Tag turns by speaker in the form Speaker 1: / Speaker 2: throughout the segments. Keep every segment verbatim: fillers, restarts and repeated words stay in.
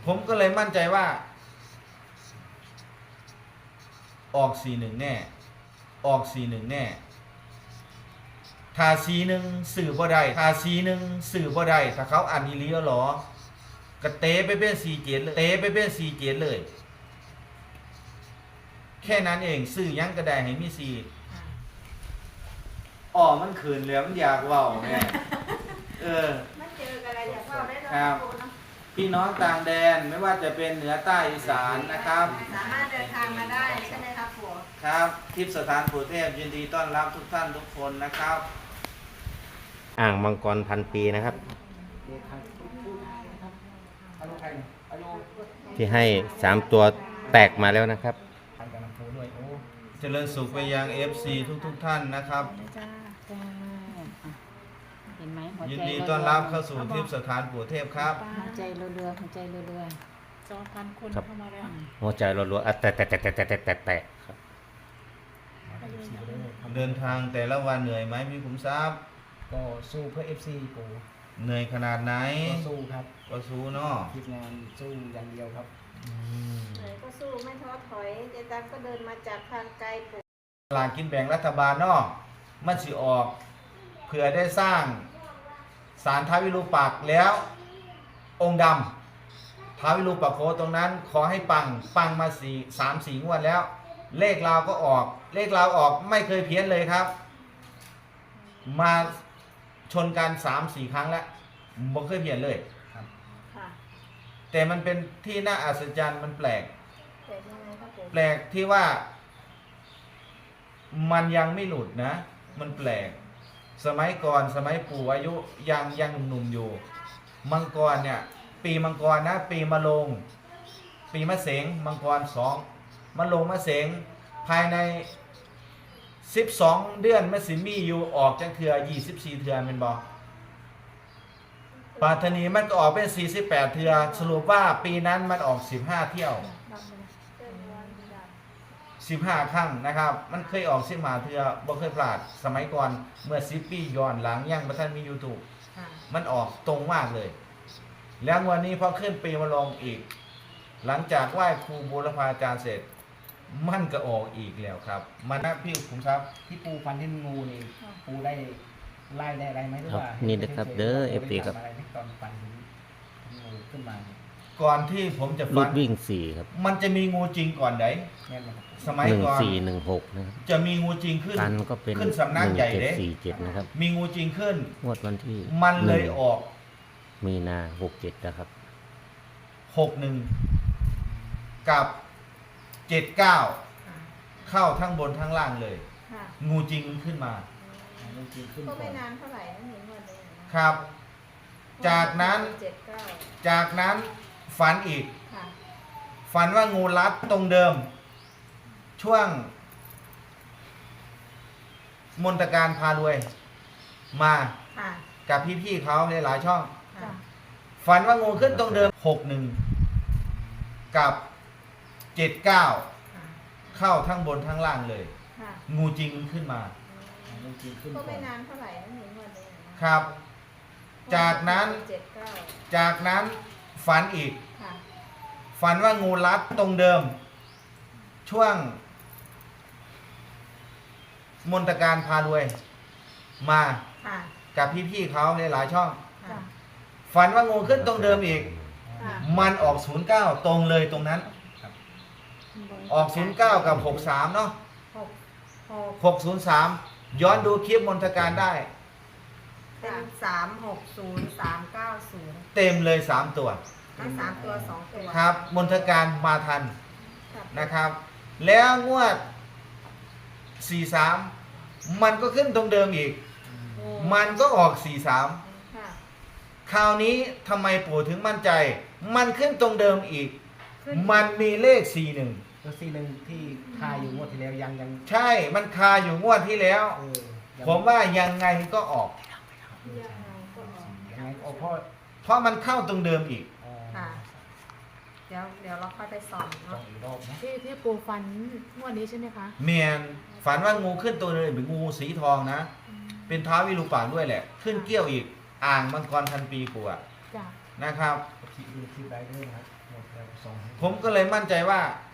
Speaker 1: ผมก็เลยมั่นใจว่าออกสี่หนึ่งแน่ออกสี่หนึ่งแน่ถ้าสี่หนึ่งสื่อบ่ได้ถ้าสี่หนึ่งสื่อบ่ได้ถ้าเขาอ่านอีหลีแล้วหรอกระเตะไปเป็นสี่เจ็ดเลยเตะไปเป็นสี่เจ็ดเลยแค่นั้นเองสื่อยังก็ได้ให้มีสี่อ๋อมันขืนแล้วมันอยากเว้าแม่เออ
Speaker 2: ไม่เจอกันอะไรอยากเล่าได้
Speaker 1: ครับพี่น้องต่างแดนไม่ว่าจะเป็นเหนือใต้อีสานนะครับ
Speaker 2: สามารถเดินทางมาได้ใช่ไหมครับผัว
Speaker 1: ครับทิพย์สถานปู่เทพยินดีต้อนรับทุกท่านทุกคนนะครับ
Speaker 3: อ่างมังกรพันปีนะครับที่ให้สามตัวแตกมาแล้วนะครับ
Speaker 1: เจริญสุขไปยัง เอฟ ซี ทุกทุกท่านนะครับ
Speaker 4: เห็นไหมหัวใจ
Speaker 1: ยินดีต้อนรับเข้าสู่ทิพย์สถานปู่เทพครับ
Speaker 4: หัวใจเรือๆหัวใจเรือ
Speaker 5: สองพันคนเข้ามาแล้ว
Speaker 3: หัวใจรัวๆอ่ะแตะแตะแตะแตะแตะแตะแตะครับ
Speaker 1: เดินทางแต่ละวันเหนื่อยไหมพี่ขุมทรัพย์
Speaker 6: ก็สู้เพื่อ เอฟ ซี ปู่
Speaker 1: เหนื่อยขนาดไหน
Speaker 6: ก็สู้ครับ
Speaker 1: ก็สู้เนาะ
Speaker 6: ทีมงานสู้อย่างเดียวครับ
Speaker 2: ไหนก็สู้ไม่ท้อถอยเจตังก็เดินมาจากทางไกลปู่
Speaker 1: สลากกินแบ่งรัฐบาลเนาะมันสิออกเพื่อได้สร้างศาลท้าววิรูปักษ์แล้วองค์ดำท้าววิรูปักษ์โคตรงนั้นขอให้ปังปังมาสี่สามสี่งวดแล้วเลขเราก็ออกเลขเราออกไม่เคยเพี้ยนเลยครับมาชนกันสามสี่ครั้งแล้วไม่เคยเพี้ยนเลยครับแต่มันเป็นที่น่าอัศจรรย์มันแปลกแปลกที่ว่ามันยังไม่หลุดนะมันแปลกสมัยก่อนสมัยปู่อายุยังยังหนุ่มๆอยู่มังกรเนี่ยปีมังกรนะปีมะโรงปีมะเสงมังกรสองมะโรงมะเสงภายในสิบสองเดือนมะสิมีอยู่ออกจังเถื่อยี่สิบสี่เถื่อเป็นบ่ปาธนีมันก็ออกเป็นสี่สิบแปดเถื่อสรุปว่าปีนั้นมันออกสิบห้าเที่ยวสิบห้าครั้งนะครับมันเคยออกสิบห้าเทื่อบ่เคยพลาดสมัยก่อนเมื่อสิบปีย้อนหลังยังบ่ทันมี YouTube มันออกตรงมากเลยแล้ววันนี้พอขึ้นปีมาลงอีกหลังจากไหว้ครูบูรพาจารย์เสร็จมันก็ออกอีกแล้วครับมันนะพี่ผมครับ
Speaker 6: ที่ปูฟันที่งูนี่ปูได้ไล่ได้อะไรไหมหรือว่า
Speaker 3: นี่นะครับเด้อ เอฟ ซี ครับ
Speaker 6: อะไรตอนฟันงูขึ้นมา
Speaker 1: ก่อนที่ผมจะ
Speaker 3: ลู
Speaker 1: ฟั
Speaker 3: กวิ่งสี่ครับ
Speaker 1: มันจะมีงูจริงก่อนไหนสมัย
Speaker 3: หนึ่ง
Speaker 1: ก่อน
Speaker 3: สี่หนึ่งหกนะครับ
Speaker 1: จะมีงูจริงขึ้น
Speaker 3: กันก็เป็น
Speaker 1: ขึ้นสำนัก
Speaker 3: หนึ่ง
Speaker 1: ใหญ่
Speaker 3: เจ็ด
Speaker 1: เด้
Speaker 3: สี่เจ็ดนะครับ
Speaker 1: มีงูจริงขึ้น
Speaker 3: งวดวันที่
Speaker 1: มันเลยออก
Speaker 3: มีนาหกเจ็ดนะครับ
Speaker 1: หกหนึ่งกับเจ็ดเก้าเข้าทั้งบนทั้งล่างเลยงูจริงขึ้นมา
Speaker 2: ก็ไม่นานเท่าไหร่นะเห็นวันเลย
Speaker 1: ครับจากนั้นจากนั้นฝันอีกฝันว่างูรัดตรงเดิมช่วงมนตการพารวยมากับพี่ๆเขาหลายๆช่องฝันว่างูขึ้นตรงเดิมหกหนึ่งกับเจ็ดเก้าเข้าทั้งบนทั้งล่างเลยงูจริงขึ้นมา
Speaker 2: ก็ไม่นานเท่าไหร่นะเห็นวันเลย
Speaker 1: ครับจากนั้นจากนั้นฝันอีกฝันว่างูรัดตรงเดิมช่วงมนตการพารวยมากับพี่ๆเขาหลายๆช่องฝันว่างูขึ้นตรงเดิมอีกมันออกศูนย์เก้าตรงเลยตรงนั้นออกศูนย์เก้ากับหกสามเนาะหกศูนย์สามย้อนดูคลิปมนตการได้
Speaker 2: เป็นสามหกศูนย์สามเก้าศูนย์
Speaker 1: เต็มเลยสามตัว
Speaker 2: ทั้งสามตัวสองตัว
Speaker 1: ครับมนตการมาทันนะครับ แล้วงวดสี่สามมันก็ขึ้นตรงเดิมอีกมันก็ออกสี่สามคราวนี้ทำไมปู่ถึงมั่นใจ มันขึ้นตรงเดิมอีกมันมีเลขสี่หนึ่ง
Speaker 6: ตัวสี่หนึ่งที่คาอยู่งวดที่แล้วยังยัง
Speaker 1: ใช่มันคาอยู่งวดที่แล้วผมว่ายังไงก็ออก
Speaker 6: ยังไงออกเพราะ
Speaker 1: เพราะมันเข้าตรงเดิมอีก
Speaker 2: เดี๋ยวเดี๋ยวเราค่อยไปสอนเนาะ
Speaker 5: ที่ที่ปูฟันงวดนี้ใช่ไหมคะ
Speaker 1: เมียนฝันว่างูขึ้นตัวนึงเป็นงูสีทองนะเป็นท้าววิรูปักษ์ด้วยแหละขึ้นเกี้ยวอีกอ่างมังกรพันปีปู่นะครับ
Speaker 6: ดูคลิปได้ด้วยนะครับสอง
Speaker 1: ผมก็เลยมั่นใจว่า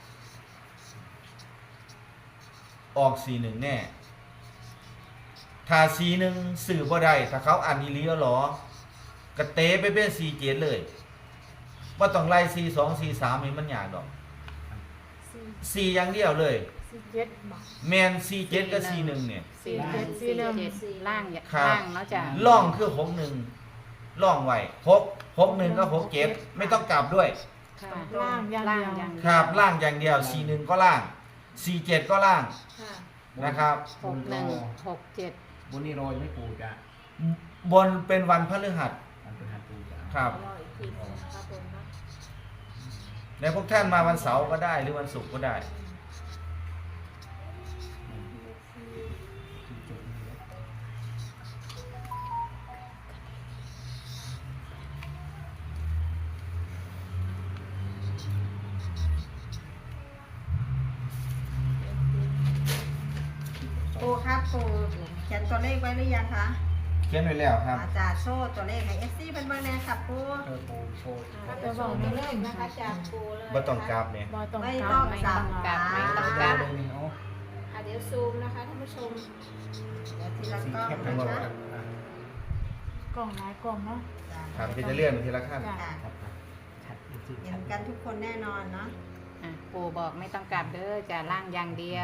Speaker 1: ออกสี่หนึ่งแน่ ถ้าสี่หนึ่งสื่อบ่ได้ถ้าเขาอ่านอีหลีแล้วหรอกระเตะไปเป็นสี่เจ็ดเลยว่าต้องไล่สี่สองสี่สามนี่มันยากดอก
Speaker 5: สี่
Speaker 1: สี่อย่างเดียวเลย
Speaker 5: สี่เจ็ดบอก
Speaker 1: แมนสี่เจ็ดกับสี่หนึ่งเนี่ย
Speaker 5: สี่เจ็ดสี่
Speaker 4: สี่
Speaker 5: หนึ่ง
Speaker 4: เจ็ดล่างอย่า
Speaker 1: ครับ
Speaker 4: ล่างแล้วจ้ะ
Speaker 1: ล่องคือหกหนึ่งล่องไว้หกหกหนึ่งก็หกเจ็ดไม่ต้องกลับด้วย
Speaker 4: ค่ะ
Speaker 5: ล่างอย่าง
Speaker 4: ล่าง
Speaker 5: เดียว
Speaker 4: อย่างเดียว
Speaker 1: ครับล่างอย่างเดียวสี่หนึ่งก็ล่างสี่เจ็ดก็ล่าง
Speaker 2: ค่ะ
Speaker 1: นะครับ
Speaker 4: หกหนึ่งหกเจ็ด
Speaker 6: บนนี้โรยไม่ปูจะ
Speaker 1: บนเป็นวันพฤหัส
Speaker 6: มันเป็นหัดปูจะ
Speaker 1: ครับ
Speaker 2: รออีกทีหนึงนะคะผมเนาะ
Speaker 1: แล้วพวกท่านมาวันเสาร์ก็ได้หรือวันศุกร์ก็ได้
Speaker 6: จุดนี้แล้ว
Speaker 7: ปูครับปูเขียนตัวเลขไว้หรือยังคะ
Speaker 1: เขียนไว้แล้วครับ
Speaker 7: อาจารย์โชว์ตัวเลขให้เอฟซีเป็นเบอร์แน่ครับปู
Speaker 6: เออปูโชว์
Speaker 2: อ่าจะส่งตัวเลขนะคะจากปูเลย
Speaker 1: บ่ต้องกราบเนี่ย
Speaker 5: บอต้อง
Speaker 7: ไม่
Speaker 5: กลั
Speaker 7: ต้อบ ง
Speaker 4: ไม่
Speaker 7: สั
Speaker 4: ต้
Speaker 7: บ
Speaker 4: องกลับไม่ต้องก
Speaker 6: กา
Speaker 4: ลั
Speaker 6: ร
Speaker 4: บ
Speaker 6: เลยนี่เอา
Speaker 2: อ่ะเดี๋ยวซูมนะคะท่านผู้ชม
Speaker 7: เดี๋ยวทีละ
Speaker 6: สี
Speaker 7: กล้อง
Speaker 6: เข้มทั้งหมด
Speaker 7: นะ
Speaker 6: อ่ะ
Speaker 7: คะ
Speaker 5: กล่องหลายกล่องเนาะ
Speaker 1: ครับก็จะเลื่อนไปทีละขั้น
Speaker 5: จ้ะ
Speaker 7: ค่ะ
Speaker 6: ครับครับชัดจริงๆ
Speaker 7: เห็นกันทุกคนแน่นอนเนาะ
Speaker 4: อ่ะปูบอกไม่ต้องกลับเด้อจะล่างอย่างเดียว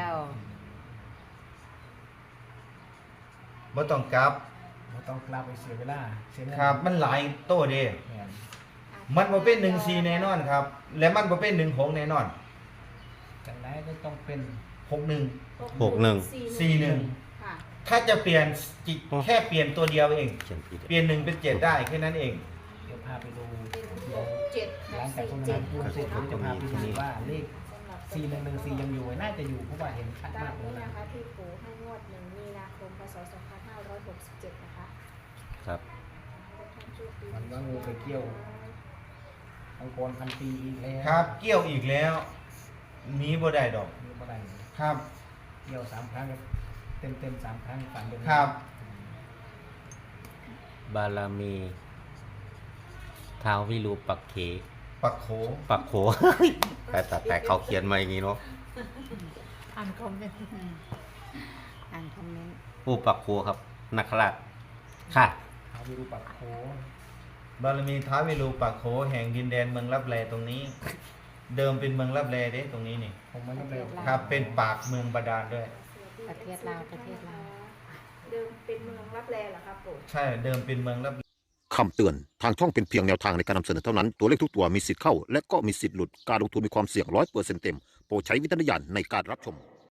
Speaker 1: บ่ต้องกลับ
Speaker 6: ไม่ต้องกลับไปเสียเวลาเสียเงิน
Speaker 1: ครับ มันหลายโต้เด้
Speaker 6: แม่น
Speaker 1: มันบ่เป็นหนึ่งสี่แน่นอนครับ และมันบ่เป็นหนึ่งหกแน่นอน
Speaker 6: จังไรก็ต้องเป็น
Speaker 1: หกหนึ่ง
Speaker 3: หกหนึ่ง
Speaker 1: สี่หนึ่ง
Speaker 2: ค่ะ
Speaker 1: ถ้าจะเปลี่ยนจิแค่เปลี่ยนตัวเดียวเอง
Speaker 3: เขียนผิด
Speaker 1: เปลี่ยนหนึ่งเป็นเจ็ดได้แค่นั้นเอง
Speaker 6: เดี๋ยวพาไปดู
Speaker 2: เป็น
Speaker 6: เดี๋
Speaker 2: ห
Speaker 6: ยว
Speaker 2: กเจ็ด
Speaker 6: หลังจาก
Speaker 2: สี่
Speaker 6: ตรง
Speaker 2: เจ็
Speaker 6: นั้
Speaker 2: ด
Speaker 6: นพูดเสร็จผมจะพาไปดูว่าเลข
Speaker 2: สำหรับ
Speaker 6: สี่หนึ่งหนึ่งสี่ยังอยู่น่าจะอยู่เพราะว่าเห็นชัด
Speaker 2: ตาม
Speaker 6: าม กเล
Speaker 2: นี้
Speaker 6: ยนะ
Speaker 2: นะคะที่ปูให้งวดหนึ่งมีนาคมพศสองพันห้าร้อยหกสิบเจ็ดนะคะ
Speaker 3: ครับ
Speaker 2: ทุกท่านโชคดี
Speaker 6: มันว่างูไปเกี่ยวมังกรพันปีอีกแล้ว
Speaker 1: ครับ เกี่ยวอีกแล้วหนี้บ่ได้ดอก
Speaker 6: นี่บ่ได้
Speaker 1: ครับ
Speaker 6: เกี่ยวสามครั้งเต็มเต็มๆสามครั้งฝันเป็น
Speaker 1: ครับ
Speaker 3: บารมีท้าววิรูปักเข
Speaker 1: ปักโข
Speaker 3: ปักโข แต่แต่แต่เขาเขียนมาอย่างนี้เนาะ
Speaker 5: อ่านคอมเมนต์
Speaker 4: อืมอ่านคอมเมนต์
Speaker 3: ผู้ปักโขครับนักขราชค่ะ
Speaker 6: เอาวิรูปักโข
Speaker 1: บารมีท้าววิรูปักโขแห่งดินแดนเมืองลับแลตรงนี้ เดิมเป็นเมืองลับแลเด้ตรงนี้นี่
Speaker 6: ผมไม่ต้องเร็ว
Speaker 1: ครับ เป็นปากเมืองบาดาลด้วย
Speaker 4: ประเทศลาวประเทศลาว
Speaker 2: เดิมเป็นเมืองรับแลเหรอครับปู่
Speaker 1: ใช่เดิมเป็นเมืองลับ
Speaker 8: คำเตือน ทางช่องเป็นเพียงแนวทางในการนำเสนอเท่านั้น ตัวเลขทุกตัวมีสิทธิ์เข้า และก็มีสิทธิ์หลุด การลงทุนมีความเสี่ยงร้อยเปอร์เซ็นต์เต็ม โปรดใช้วิจารณญาณในการรับชม